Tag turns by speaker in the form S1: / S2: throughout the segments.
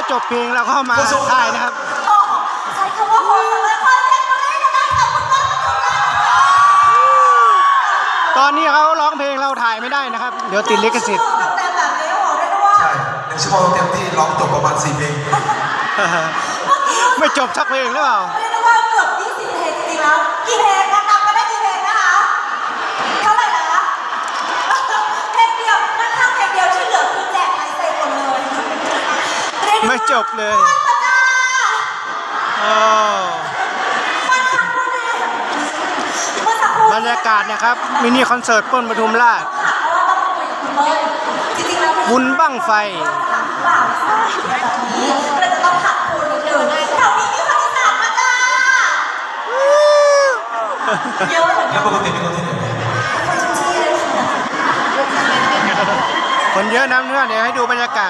S1: จบเพลงแล้วก็มาถ่ายนะครับ
S2: ใช้คำว่าโคตรเลยคนเล่นมาเล่นกันกับคุณต้นปทุมราช
S1: ตอนนี้เขาร้องเพลงเราถ่ายไม่ได้นะครับเดี๋ยวติดลิขสิทธิ์
S2: เต็มแบบนี้โอ้เรียกได้ว่า
S3: ใช่1 ชั่วโมงเต็มที่ร้องจบประมาณ4 เพลง
S1: ไม่จบสักเพลงหรือเปล่า
S2: เรียกได้ว่าเกือบ20 เพลงจริงๆแล้วกี่เพลงนับก็ได้กี่เพลงนะคะเท่าไหร่นะเพลงเดียวนั่นข้างเพลงเดียวที่เหลือคือแจกลายเซ็นหมดเลย
S1: ไม่จบเลยบรรยากาศนะครับมินิคอนเสิร์ตเปิ้ลปทุมราชบุญบั้งไฟ
S2: เราจะต้องขัดคูณนิดนึงแถวนี้มีคนอีสานมาจ้าเยอะเหมือนกัน
S3: แล้วปกติเป็นคนที่ไหน
S2: คนชุมชีเลย
S1: คนเยอะนะเพื่อนเดี๋ยวให้ดูบรรยากาศ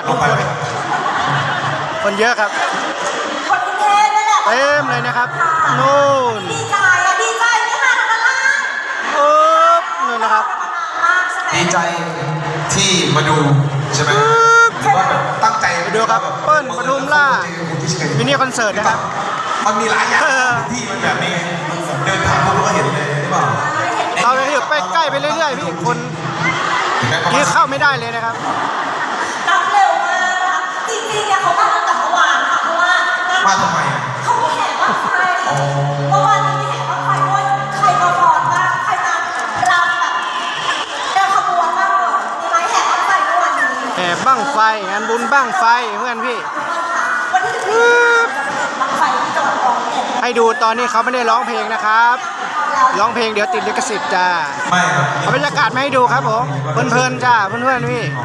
S1: คนเยอะครับ
S2: คนกรุงเทพนี่แหละ
S1: เต็มเลยนะครับนู่น
S2: ดีใจดีใจนี่ค่ะทางล่าง
S1: นู่นนะครับ
S3: ดีใจที่มาดูใช่ไหมหรือว่าแบบตั้งใจ
S1: ไปดูครับเปิ้ลปทุมราชมินิคอนเสิร์ตนะครับ
S3: มันมีหลายอย่างที่มันแบบนี้เดินทางพวกเราก็เห็นเลยหรือเปล่า
S1: เราไปอยู่ไปใกล้ไปเรื่อยๆพี่คนที่เข้าไม่ได้เลยนะครับ
S2: นับเร็วมากนะคะจริงๆเนี่ยเขามาตั้งแต่เมื่อวานค่ะเพราะว่า
S3: มาทำไม
S2: เขามีแห่บ้างไฟเมื่อวานมีแห่บ้างไฟด้วยใครมาฟ้อนบ้างใครมารำแบบเดินขบวนบ้างเลยมีไหมแห่บ้างไฟเมื่อวานนี้
S1: แห่บ้างไฟงานบุญบ้างไฟเพื่อนพี่
S2: วันที่บ้างไฟที่จังหวัดร้อยเอ็ด
S1: ให้ดูตอนนี้เขาไม่ได้ร้องเพลงนะครับร้องเพลงเดี๋ยวติดลิขสิทธิ์จ้า
S3: ไม่ครับ
S1: เอาบรรยากาศมาให้ดูครับผมเพลินๆจ้าเพื่อนๆพี่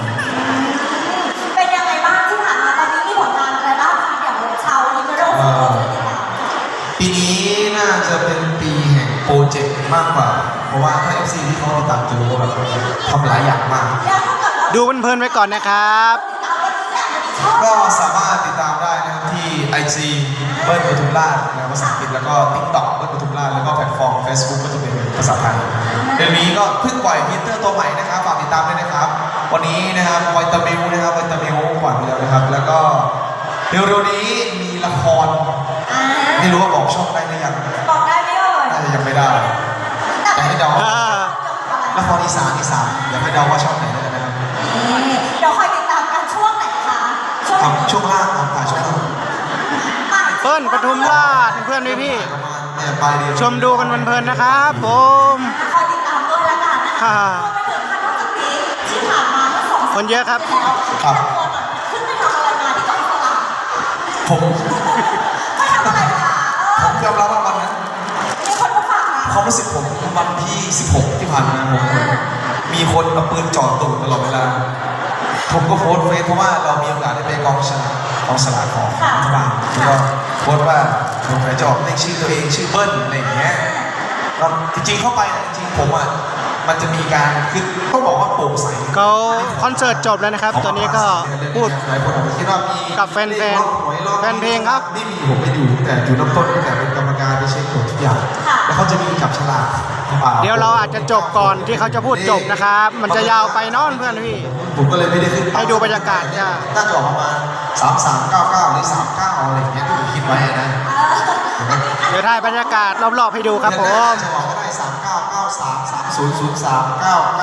S2: เป็นยังไงบ้างที่ผ่านมาตอนนี้มีผลงานอะไรบ้างอย่างชาวลิเบอรัล
S3: ปีนี้น่าจะเป็นปีแห่งโปรเจกต์มากกว่าเพราะว่าถ้า FC ที่เขาติดตามจะรู้ว่าแบบทำหลายอย่างมาก
S1: ดูเพลินๆไว้ก่อนนะครับ
S3: ก็สามารถติดตามได้นะครับที่ IG เบิ้ลปทุมราชในภาษาอังกฤษแล้วก็ TikTok เบิ้ลปทุมราชแล้วก็แพลตฟอร์ม Facebook ก็จะเป็นภาษาไทยเดือนนี้ก็เพิ่งปล่อยฟีเจอร์ตัวใหม่นะครับฝากติดตามด้วยนะครับวันนี้นะครับไวตามิลนะครับไวตามิลปล่อยไปแล้วนะครับแล้วก็เร็วๆนี้มีละครไม่รู้ว่าบอกช่องได้หรือยัง
S2: บอกได้ไหมเอ่ย
S3: น่าจะยังไม่ได้แต่ให้เดาละครอีสานอยากให้เดาว่าช่องไหนได้นะครับ
S2: เดี๋ยวคอยติดตามกันช่วงไหนคะ
S3: ช่วงล่างครับช่วงล่าง
S1: เปิ้ลปทุมราชเพื่อนพี่ชมดูกันเพลินๆนะครับผม
S2: คอยติดตามด้วยละกันนะคะที่ผ่านมาเมื่อ2
S1: คนเยอะครับ
S3: ครับ
S2: ขึ้นไปทำอะไรมาที่กองสลาก
S3: ผม
S2: ไปทำอะไรมา
S3: ผมยอมรับว่าวันนั้น
S2: มีคนมาฝากมา
S3: ความรู้สึกผมวันที่16ที่ผ่านมาผมมีคนเอาปืนจ่อตูดตลอดเวลาผมก็โพสต์เฟซเพราะว่าเรามีโอกาสได้ไปกองสลากของรัฐบาลแล้วก็โพสต์ว่าผมจะออกเลขชื่อตัวเองชื่อเบิ้ลอะไรอย่างเงี้ยก็จริงๆเข้าไปจริงๆผมอ่ะมันจะมีการคือต้องบอกว่าโปร่งใส
S1: เขาคอนเสิร์ตจบแล้วนะครับตอนนี้ก็พูดกับแฟนเพลงครับ
S3: ไม่มีผมไม่อยู่แต่อยู่น้ำต้นแต่เป็นกรรมการไปเช็คทุกอย่างแล้วเขาจะมีจับฉลาก
S1: เดี๋ยวเราอาจจะจบก่อนที่เขาจะพูดจบนะครับมันจะยาวไปนอนเพื่อนพี่
S3: ผมก็เลยไม่ได้ขึ้น
S1: ให้ดูบรรยากาศจ้า
S3: น่าจะออกประมาณ3399หรือ39อะไรอย่างเงี้ยที่ผมคิดไว้นะ
S1: เดี๋ยวถ่ายบรรยากาศรอบๆให้ดูครับผม
S3: จะบอกก็ได้3993300399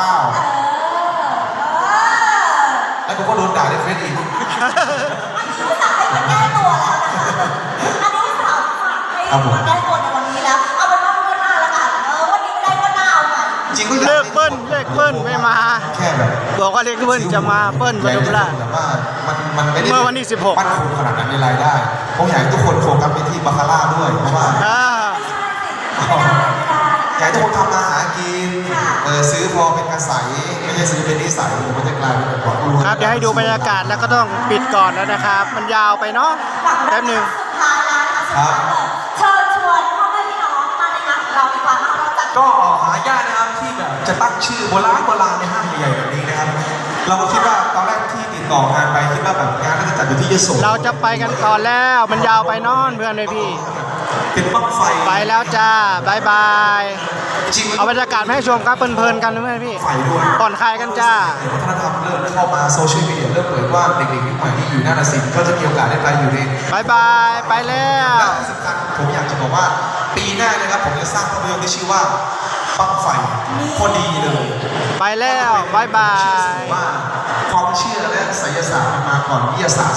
S3: แล้วผมก็โดนด่าในเฟซอีก
S2: อันนี้สาวให้แก้ตัวแล้วนะคะอันนี้สาวฝากให้แก้ตัวในวันนี้แล้วเอาเป็นว่าวันหน้าแล้วกันวันนี้ไม่ได้วันหน้าเอาใหม่
S3: จริงก็
S1: เลขเปิ้ลไม่มา
S3: แค่แบบ
S1: บอกว่าเลขเปิ้ลจะมาเปิ้ลปทุมราช
S3: แต่ว่ามันไม่ได้
S1: เมื่อวันที่16
S3: มันคงขนาดนั้นในรายได้ผมอยากให้ทุกคนโฟกัสไปที่บาคาร่าด้วยเพราะว่าอยากให้ทุกคนทำมาหากินซื้อพอเป็นกระใสไม่ใช่ซื้อเป็นนิสัยหรือมันจะกลายเป็นแบบ
S1: ครับเดี๋ยวให้ดูบรรยากาศแล้วก็ต้องปิดก่อนแล้วนะครับมันยาวไปเนาะแป๊บนึง
S3: ครับ
S2: เชิญชวนพ่อแม่พี่น้องมาในงานเราดีกว่าเราจัด
S3: ก็หายากนะครับที่แบบจะตั้งชื่อโบราณในห้างใหญ่ๆแบบนี้นะครับเราก็คิดว่าตอนแรกที่ติดต่องานไปคิดว่าแบบงานน่าจะจัดอยู่ที่ยโส
S1: เราจะไปกันก่อนแล้วมันยาวไปนอนเพื่อนเลยพี่
S3: เป็นบั้งไฟ
S1: ไปแล้วจ้าบายบาย
S3: จริงๆ
S1: เอาบรรยากาศมาให้ชมครับเพลินๆกันด้วยพี่
S3: ไฟด้วย
S1: ผ่อนคลายกันจ้า
S3: วัฒนธรรมเริ่มเข้ามาโซเชียลมีเดียเริ่มเปิดว่าเด็กๆยุคใหม่ที่อยู่หน้าฏศิลป์ก็จะมีโอกาสได้ไปอยู่ใน
S1: บายบายไปแล้ว
S3: และที่สำคัญผมอยากจะบอกว่าปีหน้านะครับผมจะสร้างภาพยนตร์ที่ชื่อว่าบั้งไฟพอดีเลย
S1: ไปแล้วบายบาย
S3: ว่าความเชื่อและไสยศาสตร์มันมาก่อนวิทยาศาสตร์